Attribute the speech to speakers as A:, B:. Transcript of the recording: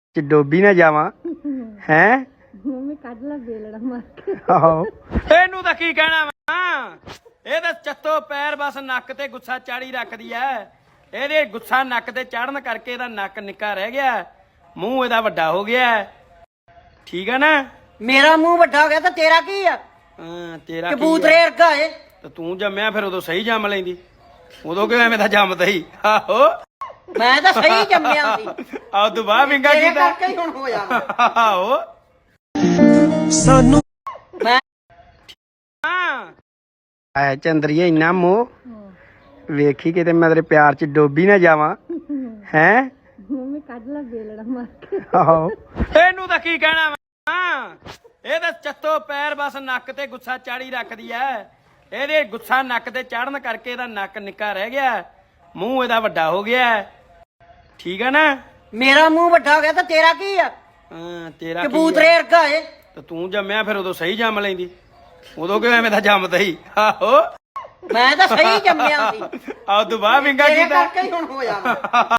A: ਚ ਡੋਬੀ ਨਾ ਜਾਵਾਂ ਹੈ
B: ਮੰਮੀ ਕੱਢ ਲੈ ਬੇਲੜਾ ਮਾਰ ਕੇ।
A: ਆਹੋ ਇਹਨੂੰ ਤਾਂ ਕੀ ਕਹਿਣਾ ਵਾ, ਇਹ ਤਾਂ ਚੱਤੋ ਪੈਰ ਬਸ ਨੱਕ ਤੇ ਗੁੱਸਾ ਚਾੜੀ ਰੱਖਦੀ ਐ। ਇਹਦੇ ਗੁੱਸਾ ਨੱਕ ਤੇ ਚੜਨ ਕਰਕੇ ਇਹਦਾ ਨੱਕ ਨਿੱਕਾ ਰਹਿ ਗਿਆ, ਮੂੰਹ ਇਹਦਾ ਵੱਡਾ ਹੋ ਗਿਆ। ਠੀਕ ਆ ਨਾ?
C: ਮੇਰਾ ਮੂੰਹ ਵੱਡਾ ਹੋ ਗਿਆ ਤਾਂ ਤੇਰਾ ਕੀ ਆ?
A: ਹਾਂ ਤੇਰਾ
C: ਕਬੂਤਰੇ ਵਰਗਾ ਏ।
A: ਤੇ ਤੂੰ ਜੰਮਿਆ ਫਿਰ ਉਦੋਂ ਸਹੀ ਜੰਮ ਲੈਂਦੀ, ਉਦੋਂ ਕਿਉਂ ਐਵੇਂ ਦਾ ਜੰਮਦਾ ਹੀ? ਆਹੋ
C: ਮੈਂ ਤਾਂ ਸਹੀ ਜੰਮਿਆ ਸੀ,
A: ਆਹ ਤੂੰ ਬਾਹਰ ਵਿੰਗਾ
C: ਤੇਰੇ
A: ਕੀਤਾ।
C: ਕਰਕੇ ਹੀ ਹੁਣ ਹੋਇਆ ਵਾ।
A: ਆਹੋ
C: ਸਾਨੂੰ ਮੈਂ
A: ਐ ਚੰਦਰੀਏ ਇੰਨਾ ਮੋਹ ਵੇਖੀ ਕਿਤੇ ਮੈਂ ਤੇਰੇ ਪਿਆਰ ਚ ਡੋਬੀ ਨਾ ਜਾਵਾਂ ਹੈ।
B: ਮੰਮੀ ਕੱਢ ਲੈ ਬੇਲੜਾ ਮਾਰ ਕੇ।
A: ਆਹੋ ਇਹਨੂੰ ਤਾਂ ਕੀ ਕਹਿਣਾ ਵਾ, ਇਹ ਤਾਂ ਚੱਤੋ ਪੈਰ ਬਸ ਨੱਕ ਤੇ ਗੁੱਸਾ ਚਾੜੀ ਰੱਖਦੀ ਐ। ਇਹਦੇ ਗੁੱਸਾ ਨੱਕ ਤੇ ਚੜਨ ਕਰਕੇ ਇਹਦਾ ਨੱਕ ਨਿੱਕਾ ਰਹਿ ਗਿਆ, ਮੂੰਹ ਇਹਦਾ ਵੱਡਾ ਹੋ ਗਿਆ। ਠੀਕ ਆ ਨਾ?
C: ਮੇਰਾ ਮੂੰਹ ਵੱਡਾ ਹੋ ਗਿਆ ਤਾਂ ਤੇਰਾ ਕੀ ਆ?
A: ਹਾਂ ਤੇਰਾ
C: ਕਬੂਤਰੇ ਵਰਗਾ ਏ।
A: ਤੇ ਤੂੰ ਜੰਮਿਆ ਫਿਰ ਉਦੋਂ ਸਹੀ ਜੰਮ ਲੈਂਦੀ, ਉਦੋਂ ਕਿਉਂ ਐਵੇਂ ਦਾ ਜੰਮਦਾ ਹੀ? ਆਹੋ
C: ਮੈਂ ਤਾਂ ਸਹੀ ਜੰਮਿਆ ਸੀ,
A: ਆਹ ਤੂੰ ਬਾਹਰ ਵਿੰਗਾ
C: ਤੇਰੇ
A: ਕੀਤਾ।
C: ਕਰਕੇ ਹੀ ਹੁਣ ਹੋਇਆ ਵਾ।